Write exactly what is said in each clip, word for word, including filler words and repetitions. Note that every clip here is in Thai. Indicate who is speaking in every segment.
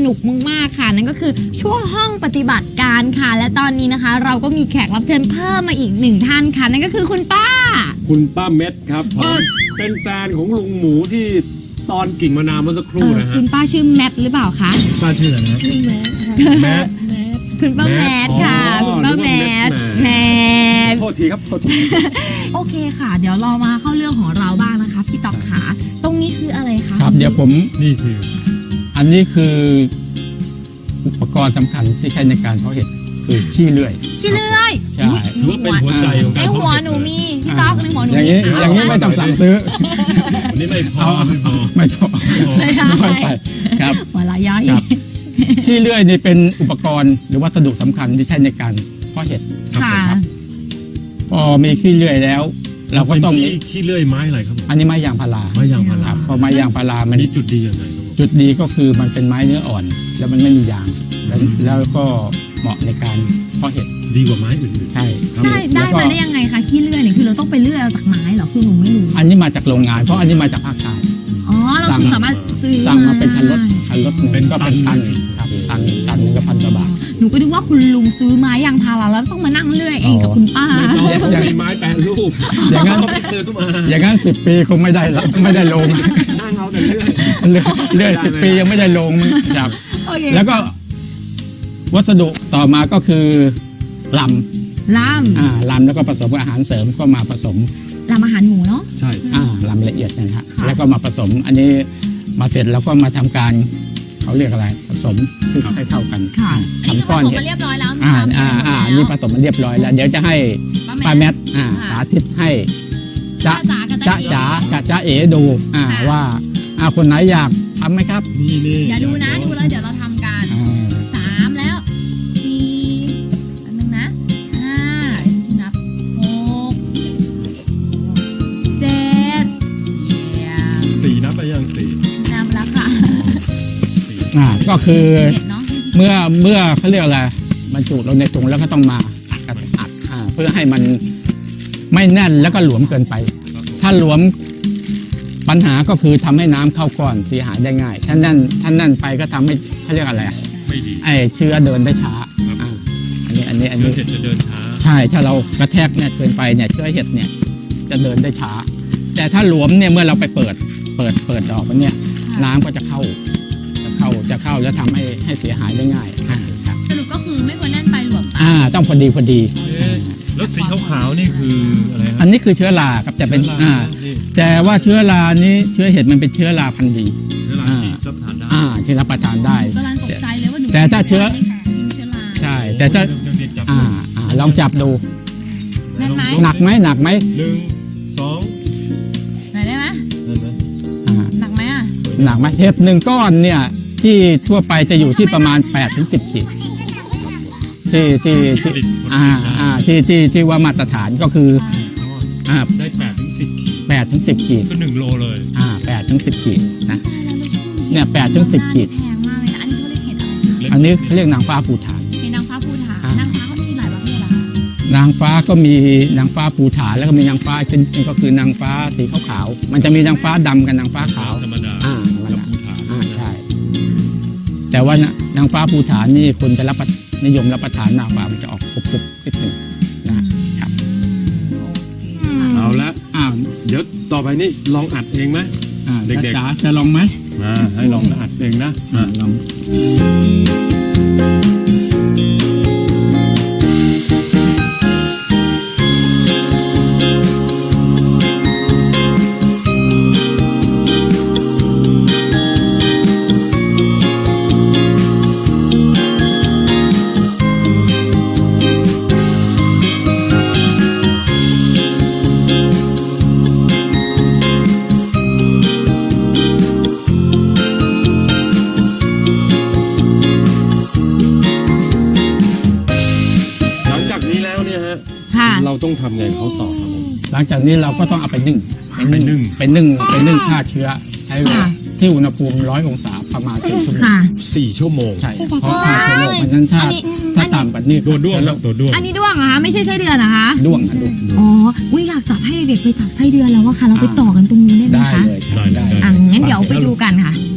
Speaker 1: นุกมากๆค่ะนั่นก็คือช่วงห้องปฏิบัติการค่ะและตอนนี้นะคะ เราก็มีแขกรับเชิญเพิ่มมาอีกหนึ่งท่านค่ะนั่นก็คือคุณป้า
Speaker 2: คุณป้าเม็ดครับผมเป็นแฟนของลุงหมูที่ตอนกิ่งมะนาวเมื่อสักครู่นะฮะ
Speaker 1: คุณป้าชื่อแมทหรือเปล่าคะ
Speaker 2: ป้าชื่ออะไรนะ
Speaker 3: ชื่อแมท
Speaker 2: แมท
Speaker 1: คุณป้าแมทค่ะคุณป้าแมทแมท
Speaker 2: โทษทีครับโทษที
Speaker 1: โอเคค่ะเดี๋ยวเรามาเข้าเรื่องของเราบ้างนะคะพี่ต๊อกขาตรงนี้คืออะไรคะ
Speaker 4: ครับเดี๋ยวผม
Speaker 2: นี่คือ
Speaker 4: อันนี้คืออุปกรณ์สำคัญที่ใช้ในการเพาะเห็ดคือขี้เลื่อย
Speaker 1: ขี้เลื่อย
Speaker 4: ใช่
Speaker 2: ถือว่าเป็นหัวใจของการ
Speaker 1: ในหัวหนูมีพี่ต๊อกในหัวหนู
Speaker 4: อย่างนี้อย่างนี้ไม่ต้องสั่งซื้อ
Speaker 2: นี่ไม่พอไม่พอ
Speaker 4: ไม่พอ
Speaker 1: ไม่
Speaker 4: ไปครับ
Speaker 1: หัวละย้อย
Speaker 4: ขี้เลื่อยนี่เป็นอุปกรณ์หรือวัสดุสำคัญที่ใช้ในการเพาะเห็ด
Speaker 1: ค่ะ
Speaker 4: พอมีขี้เลื่อยแล้วเราก็ต้องมี
Speaker 2: ขี้เลื่อยไม้อะไรครับ
Speaker 4: อันนี้ไม้ยางพารา
Speaker 2: ไม้ยางพารา
Speaker 4: พอไม้ยางพารามัน
Speaker 2: มีจุดดียังไง
Speaker 4: จุดดีก็คือมันเป็นไม้เนื้ออ่อนแล้วมันไม่มียางแล้วก็เหมาะในการเพาะเห็ด
Speaker 2: ดีกว่าไม้อื่น
Speaker 4: ๆใช่
Speaker 1: ได้ได้มาได้ยังไงคะขี้เลื่อยเนี่ยคือเราต้องไปเลื่อยเอาจากไม้เหรอคือหนูไม่รู้
Speaker 4: อันนี้มาจากโรงงานเพราะอันนี้มาจากภาคใต้
Speaker 1: อ๋อเราสามารถซื้อ
Speaker 4: สั่งมาเป็นคันรถคันรถหนึ่งก็เป็นตันครับตันตันนึงก็พันกว่าบาท
Speaker 1: หนูก็นึกว่าคุณลุงซื้อไม้ยางพาราแล้วต้องมานั่งเลื่อยเองกับคุณป้า
Speaker 2: อย่างมีไม้แปรรูป
Speaker 4: อย่างนั้น
Speaker 2: ซื้อมา
Speaker 4: อย่างนั้นสิบปีคงไม่ได้ไม่ได้ลง
Speaker 2: นั่งเอาแต่เลื่อย
Speaker 4: เลื่อยสิบปียังไม่ได้ลงครับแล้วก็วัสดุต่อมาก็คือลำ
Speaker 1: ลำ
Speaker 4: อ่าลำแล้วก็ผสมกับอาหารเสริมก็มาผสม
Speaker 1: ลำอาหารหมูเนาะ
Speaker 2: ใช่
Speaker 4: อ่าลำละเอียดนะฮะแล้วก็มาผสมอันนี้มาเสร็จแล้วก็มาทำการเขาเรียกอะไรผสมให้เข้ากัน
Speaker 1: ทำก้อนเรียบร้อยแล้ว
Speaker 4: อ่าอ่าอ่านี่ผสมมันเรียบร้อยแล้วเดี๋ยวจะให้ป้าแมทอ่าสาธิตให้จ๊ะจ๊ะจ๋ากับจ๊ะเอ๋ดูอ่าว่าอ่าคนไหนอยากทำไหมครับ
Speaker 2: นี่นี่
Speaker 1: อย่าดูนะดูแล้วเดี๋ยวเราทำกันสามแล้วสี่อันนึงนะห้านับหกเจ็ด
Speaker 2: สี่นับไปยังสี่
Speaker 1: นับแล้วค่ะ
Speaker 4: อ่าก็คือเมื่อเมื่อเขาเรียกอะไรบรรจุเราในถุงแล้วก็ต้องมาอัดอัดอ่าเพื่อให้มันไม่แน่นแล้วก็หลวมเกินไปถ้าหลวมปัญหาก็คือทำให้น้ำเข้าก้อนเสียหายได้ง่ายถ้าแน่นถ้าแน่นไปก็ทำให้เขาเรียกอะไร
Speaker 2: ไม่ดี
Speaker 4: ไอเชื้อเดินได้ช้าอันนี้อันนี้อันนี้
Speaker 2: เห็ดจะเดินช้า
Speaker 4: ใช่ถ้าเรากระแทกแน่นเกินไปเนี่ยเชื้อเห็ดเนี่ยจะเดินได้ช้าแต่ถ้าหลวมเนี่ยเมื่อเราไปเปิดเปิดเปิดดอกมันเนี่ยน้ำก็จะเข้าจะเข้าจะเข้าแล้วทำให้ให้เสียหายได้ง่าย
Speaker 1: สรุปก็คือไม่ควรแน่นไปหลวม
Speaker 4: อ่าต้องพอดีพอดี
Speaker 2: แล้วสีขาวๆนี่คืออะไร
Speaker 4: อันนี้คือเชื้อราครับจะเป็นอ่าแต่ว่าเชื้อรานี้เชื้อเห็ดมันเป็นเชื้อราพันธุ์ดี
Speaker 2: เชื้อราที่รับประทานได้
Speaker 4: อ่าที่รับประทานได้
Speaker 1: กำลังตกใจเลยว่าหนู
Speaker 4: แต่ถ้าเชื้อใช่แต่ถ้าอ่าอ่าลองจับดูหนักไหมหนักไหม
Speaker 2: หนึ่งสอง
Speaker 1: ไหนได้ไหมหนักไหมอ่ะ
Speaker 4: หนักไหมเห็ดหนึ่งก้อนเนี่ยที่ทั่วไปจะอยู่ที่ประมาณแปดถึงสิบขีดที่ที่ที่อ่าอ่าที่ที่ที่ว่ามาตรฐานก็คืออ่า
Speaker 2: ได้แปดถึงสิบขีด
Speaker 4: แปดถึงสิบขีด
Speaker 2: ก็หนึ่งโลเลย
Speaker 4: อ่าแปดถึงสิบขีดนะเนี่ยแปดถึงสิบขีด
Speaker 1: แพงมากเลยนะ
Speaker 4: อันนี้เขาเรียกอะไรอันนี้เรียกนางฟ้าภูฐาน
Speaker 1: เป็นนางฟ้าภูฐานนางฟ้าก็มีหลายประเภทละ
Speaker 4: นางฟ้าก็มีนางฟ้าภูฐานแล้วก็มีนางฟ้าเป็นก็คือนางฟ้าสีขาวๆมันจะมีนางฟ้าดำกับนางฟ้าขาว
Speaker 2: ธรรมดา
Speaker 4: อ่าธรรมดาอ่าใช่แต่ว่านางฟ้าภูฐานนี่คนจะรับนิยมรับประทานนางฟ้ามันจะออกกรุบๆนิดหนึ่งนะครับ
Speaker 2: เอาละอ้าวเดี๋ยวต่อไปนี่ลองอัดเองไหม
Speaker 4: เด็กๆจะลองไหม
Speaker 2: มาให้ลองอัดเองนะมา
Speaker 4: ลอง
Speaker 2: เราต้องทำไงเขาต่อครับผม
Speaker 4: หลังจากนี้เราก็ต้องเอาไปนึ่ง
Speaker 2: ไปนึ่ง
Speaker 4: ไปนึ่งไปนึ่งฆ่าเชื้อใช้ที่อุณหภูมิร้อยองศาประมาณสี่ชั่วโมง
Speaker 2: สี่ชั่วโมง
Speaker 4: ใช่เพราะฆ่าเชื้อโรคมันนั้นถ้าถ้าต่ำกว่านี้
Speaker 2: ตัวด้วงตัวด้วง
Speaker 1: อันนี้ด้วงเหรอคะไม่ใช่ไส้เดือนเหรอคะ
Speaker 4: ด้วงนะด้วง
Speaker 1: อ๋อวิอยากจับให้เด็กไปจับไส้เดือนแล้วว่าค่ะเราไปต่อกันตรงนี้ได้ไหมคะ
Speaker 4: ได้เลยได้
Speaker 1: อ่ะงั้นเดี๋ยวไปดูกันค่ะ
Speaker 2: ย้าย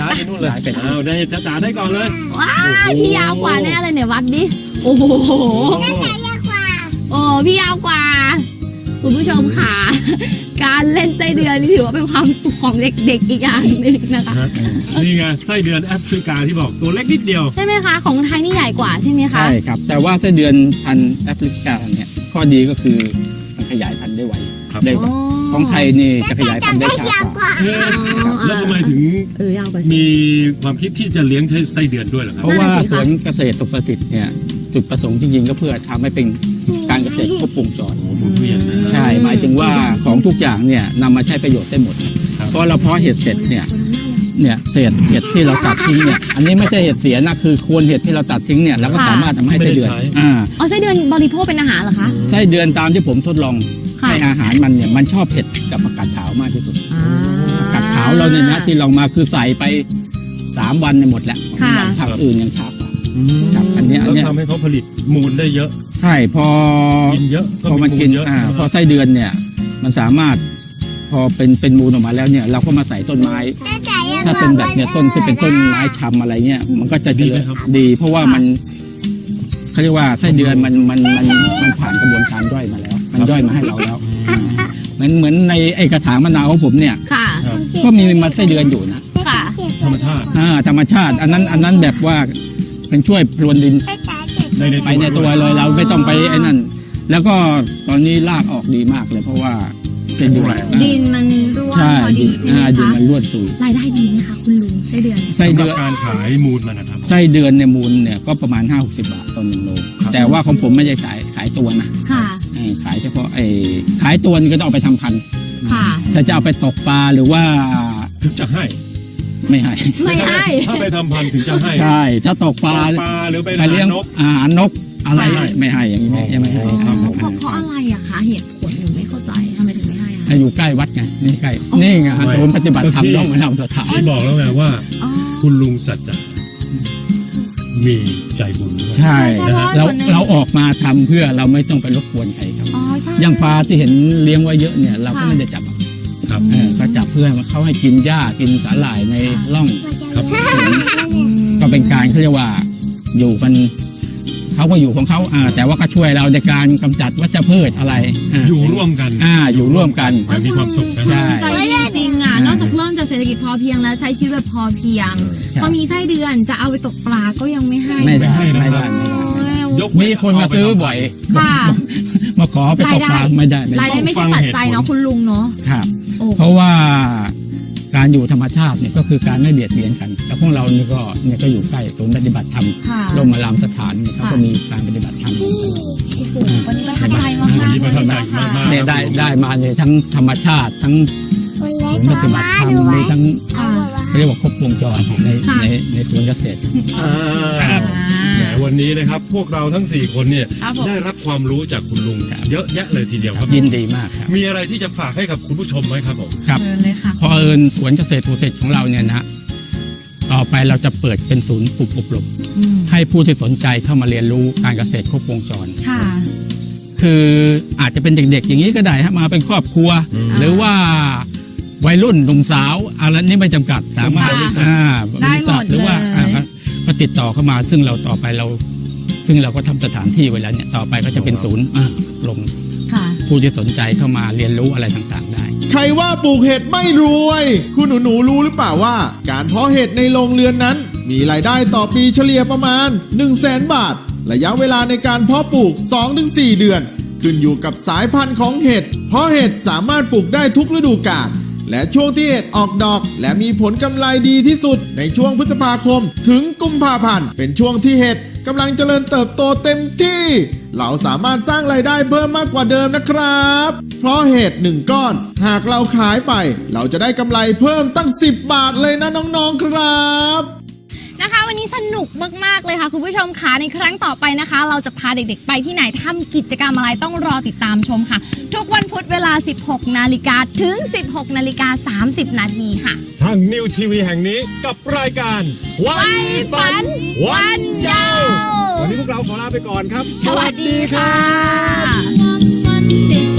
Speaker 2: ายไปนู่นเลย
Speaker 4: ขายไป
Speaker 2: อ้าวได้จ้าจ๋าได้ก่อนเลย
Speaker 1: ว้ายพี่ยาวกว่าแน่เลยเนี่ยวัดดิโอ้โห
Speaker 2: โอ้
Speaker 1: โอ้พี่ยาวกว่าคุณผู้ชมค่ะ การเล่นไส้เดือนนี่ถือว่าเป็นความสุขของเด็กๆอีกอย่างหนึ่งนะคะ
Speaker 2: ฮะนี่ไงไส้เดือนแอฟริกาที่บอกตัวเล็กนิดเดียว
Speaker 1: ใช่ไหมคะของไทยนี่ใหญ่กว่าใช่ไหมคะ
Speaker 4: ใช่ครับ แต่ว่าไส้เดือนพันธุ์แอฟริกาเนี่ยข้อดีก็คือมันขยายพันธุ์ได้ไว
Speaker 2: ครับ
Speaker 4: ได้ไวของไทยนี่จะขยายพันธุ์ได้ช้ากว่า
Speaker 2: เอ๊ะแล้วทำไมถึง
Speaker 1: เออยาวกว่า
Speaker 2: มีความคิดที่จะเลี้ยงไส้เดือนด้วยเหรอครับ
Speaker 4: เพราะว่าสวนเกษตรสุขสถิตเนี่ยจุดประสงค์จริงๆก็เพื่อทำให้เป็นการเกษตรครบวงจร
Speaker 2: โอ้โหหมุนเวียนนะ
Speaker 4: ใช่หมายถึงว่าของทุกอย่างเนี่ยนำมาใช้ประโยชน์ได้หมด
Speaker 2: ครับ
Speaker 4: เพราะเราเพาะเห็ดเสร็จเนี่ยเนี่ยเศษเห็ดที่เราตัดทิ้งเนี่ยอันนี้ไม่ใช่เห็ดเสียนะคือโคนเห็ดที่เราตัดทิ้งเนี่ยเราก็สามารถทำให้ไส้เดือนอ่า
Speaker 1: อ๋อไส้เดือนบริโภคเป็นอาหารเหรอคะ
Speaker 4: ไส้เดือนตามที่ผมทดลอง
Speaker 1: ค่ะ
Speaker 4: ให้อาหารมันเนี่ยมันชอบเห็ดกับผักกาดขาวมากที่สุด
Speaker 1: อ่า
Speaker 4: ผักกาดขาวเราเนี่ยนะที่เรามาคือใส่ไปสามวันเนี่ยหมดแล้ว
Speaker 1: ค่ะ
Speaker 4: วันผักอื่นยังช้ากว่า
Speaker 2: อืม
Speaker 4: ครับอันเนี้ยอัน
Speaker 2: แล้ว
Speaker 4: เนี้ย
Speaker 2: ทำให้เขาผลิตมูลได้เยอะ
Speaker 4: ใช่พอ
Speaker 2: กินเยอะ
Speaker 4: พอมันกิน
Speaker 2: เยอะ
Speaker 4: อ่าพอไส้เดือนเนี่ยมันสามารถพอเป็นเป็นมูลออกมาแล้วเนี่ยเราก็มาใส่ต้นไม้ ถ้าเป็นแบบเนี่ยต้นที่เป็นต้นไม้ชำอะไรเงี้ยมันก็จะเจริญดี เพราะว่ามันเขาเรียกว่าไส้เดือนมันมันมันมันผ่านกระบวนการย่อยมาแล้ว มันย่อยมาให้เราแล้วอ่าเหมือนเหมือนในไอ้กระถางมะนาวของผมเนี่ย
Speaker 1: ค่ะ
Speaker 2: ครับ
Speaker 4: ก็มีมันไส้เดือนอยู่นะ
Speaker 1: ค่ะ
Speaker 2: ธรรมชาติ
Speaker 4: อ่าธรรมชาติ อันนั้นอันนั้นแบบว่าเป็นช่วยพรวนดิน
Speaker 2: ในใน
Speaker 4: ไปในตัวเลยเราไม่ต้องไปไอ้นั่น แล้วก็ตอนนี้รากออกดีมากเลยเพราะว่าไส้เดือน
Speaker 1: ดินมันร่วน
Speaker 4: ใช่
Speaker 1: พอดีใช่ไหม
Speaker 4: อ่าดิน
Speaker 1: คะ
Speaker 4: มันร่วนซุย
Speaker 1: รายได้ดีไหมคะคุณลุงไส้เดือน
Speaker 4: ไส้
Speaker 2: สำห
Speaker 4: เดื
Speaker 2: รับ
Speaker 4: อน
Speaker 2: การขายมูลมันนะครับ
Speaker 4: ไส้เดือนในยมูลเนี่ยก็ประมาณห้าหกสิบบาทต่อหนึ่งโล
Speaker 2: ครับ
Speaker 4: แต่ว่าของผมไม่ได้ขายขายตัวนะ
Speaker 1: ค่ะ
Speaker 4: เออขายเฉพาะไอ้ขายตัวนี่ก็ต้องเอาไปทำพันธุ์
Speaker 1: ค่ะ
Speaker 4: ถ้าจะเอาไปตกปลาหรือว่า
Speaker 2: ถึงจะให้
Speaker 4: ไม่ให้
Speaker 1: ไม่ให้
Speaker 2: ถ้าไปทำพันธุ์ถึงจะให้
Speaker 4: ใช่ถ้าตกปลา
Speaker 2: ปลาหรือไป
Speaker 4: ไปเลี้ยง
Speaker 2: นก
Speaker 4: อาหารนกอะไร
Speaker 2: ไม่ให้
Speaker 4: ไม่ให้อย่างนี้ไม่ไม่ให้
Speaker 2: ครับผม
Speaker 1: เพราะเพราะอะไรอะคะเหตุผลหนูไม่เข้าใจทำไมถึงไม่ให้อะ
Speaker 4: อ่าอยู่ใกล้วัดไงนี่ใกล้นี่ไงศูนย์ปฏิบัติธรรมร่องมะนาวสถาน
Speaker 2: ที่บอกแล้วไงว่า
Speaker 1: อ๋อ
Speaker 2: คุณลุงสัจจะมีใจบุญด้วย
Speaker 4: ใช่
Speaker 1: ใช่
Speaker 4: นะฮะ
Speaker 1: เพราะว่า
Speaker 4: เรา
Speaker 1: ส่วนหนึ่ง
Speaker 4: เราออกมาทำเพื่อเราไม่ต้องไปรบกวนใครครับ
Speaker 1: อ๋อใช่
Speaker 4: อย่างปลาที่เห็นเลี้ยงไว้เยอะเนี่ยเราก็
Speaker 1: ค่ะ
Speaker 4: ไม่ได้จับอ่ะ
Speaker 2: ครับ
Speaker 4: เออก็จับเพื่อเขาให้กินหญ้ากินสาหร่ายในร่อง
Speaker 2: ครับ
Speaker 1: อืม
Speaker 4: ก็เป็นการเขาเรียกว่าอยู่กันเขาก็อยู่ของเขาอ่าแต่ว่าก็ช่วยเราในการกำจัดวัชพืชอะไรา
Speaker 2: อยู่ร่วมกัน
Speaker 4: อ่าอยู่ร่วมกัน
Speaker 2: อย่างมีความสุขนะ
Speaker 4: ใช่
Speaker 1: ใจดีจริงอ่ะ นอกจากเริ่มจากเศรษฐกิจพอเพียงแล้วใช้ชีวิตแบบพอเพียง
Speaker 4: ใช่
Speaker 1: พอมีไส้เดือนจะเอาไปตกปลาก็ยังไม่ให้
Speaker 4: ไม่ได้
Speaker 2: ไม่
Speaker 4: ไม่
Speaker 2: ได้
Speaker 4: ได้ไม่ได้
Speaker 1: โอ้ย
Speaker 2: ยกเว้
Speaker 4: มีคนมาซื้อบ่อย
Speaker 1: ค่ะ
Speaker 4: มาขอไปตกปลาไม่ได้ไม่
Speaker 1: ราย
Speaker 4: ได้
Speaker 1: ได้ไม่ใช่ปัจจัยเนาะคุณลุงเนาะ
Speaker 4: ครับ
Speaker 1: โอ้
Speaker 4: เพราะว่าการอยู่ธรรมชาติเนี่ยก็คือการไม่เบียดเบียนกันแต่พวกเรานี่ก็เนี่ยก็อยู่ใกล้ศูนย์ปฏิบัติธรรม
Speaker 1: ค่ะ
Speaker 4: ร่มอารามสถานเนี่ยเขาก็มีการปฏิบัติธรรมเหมือนกัน
Speaker 1: โอ้โหวันนี้ประทับใจมาก
Speaker 2: วัน
Speaker 1: ๆ
Speaker 2: นี้ประทับใจ
Speaker 1: เลยค่ะ
Speaker 2: มากๆ
Speaker 4: เนี่ยได้ได้มาเนี่ยทั้งธรรมชาติทั้งศูนย์ปฏิบัติธรรมมีทั้ง
Speaker 1: ค่ะ
Speaker 4: เขาเรียกว่าครบวงจรใน
Speaker 1: ค่ะ
Speaker 4: ในในสวนเกษตร
Speaker 2: อ่า
Speaker 4: ครับ
Speaker 2: แหมวันนี้นะครับพวกเราทั้งสี่คนเนี่ย
Speaker 1: ครับผม
Speaker 2: ได้รับความรู้จากคุณลุงเยอะแยะเลยทีเดียวครับ
Speaker 4: ยินดีมากครับ
Speaker 2: มีอะไรที่จะฝากให้กับคุณผู้ชมไหมครับผม
Speaker 4: ครับ
Speaker 1: เชิญเลยค่ะ
Speaker 4: พอเอิญสวนเกษตรสุขเกษตรของเราเนี่ยนะต่อไปเราจะเปิดเป็นศูนย์ฝึกอบรม
Speaker 1: อืม
Speaker 4: ให้ผู้ที่สนใจเข้ามาเรียนรู้การเกษตรครบวงจร
Speaker 1: ค่ะ
Speaker 4: คืออาจจะเป็นเด็กๆ อย่างนี้ก็ได้ฮะมาเป็นครอบครัว
Speaker 2: อืม
Speaker 4: หรือว่าวัยรุ่นหนุ่มสาวอะไรนี่ไม่จำกัดสามารถ
Speaker 1: ค่ะ
Speaker 4: อ่า
Speaker 1: ได้
Speaker 4: บริษัท
Speaker 1: หมด
Speaker 4: หรือว่า
Speaker 1: เลย
Speaker 4: อ่าก็ก็ติดต่อเข้ามาซึ่งเราต่อไปเรา ซึ่งเราก็ทำสถานที่ไว้แล้วเนี่ยต่อไปก็จะเป็นศูนย์อ่าลง
Speaker 1: ค่ะ
Speaker 4: ผู้ที่สนใจเข้ามาเรียนรู้อะไรต่างๆได้
Speaker 3: ใครว่าปลูกเห็ดไม่รวย คุณหนูหนูๆรู้หรือเปล่าว่า การเพาะเห็ดในโรงเรือนนั้น มีรายได้ต่อปีเฉลี่ยประมาณ หนึ่งแสน บาท ระยะเวลาในการเพาะปลูก สองถึงสี่ เดือน ขึ้นอยู่กับสายพันธุ์ของเห็ด เพราะเห็ดสามารถปลูกได้ทุกฤดูกาล และช่วงที่เห็ดออกดอก และมีผลกำไรดีที่สุดในช่วงพฤษภาคม ถึงกุมภาพันธ์เป็นช่วงที่เห็ดกำลังเจริญเติบโตเต็มที่ เราสามารถสร้างรายได้เพิ่มมากกว่าเดิมนะครับ เพราะเห็ดหนึ่งก้อน หากเราขายไป เราจะได้กำไรเพิ่มตั้งสิบบาทเลยนะน้องๆครับ
Speaker 1: นะคะวันนี้สนุกมากๆเลยค่ะคุณผู้ชมค่ะในครั้งต่อไปนะคะ เราจะพาเด็กๆไปที่ไหนทำกิจกรรมอะไรต้องรอติดตามชมค่ะ ทุกวันพุธเวลา สิบหกนาฬิกาถึง สิบหกนาฬิกาสามสิบนาทีค่ะ
Speaker 2: ทางนิวทีวีแห่งนี้กับรายการวันฝันวันยาววันนี้พวกเราขอลาไปก่อนครับ
Speaker 1: สวัสดีค่ะ
Speaker 5: ความฝันเด็ก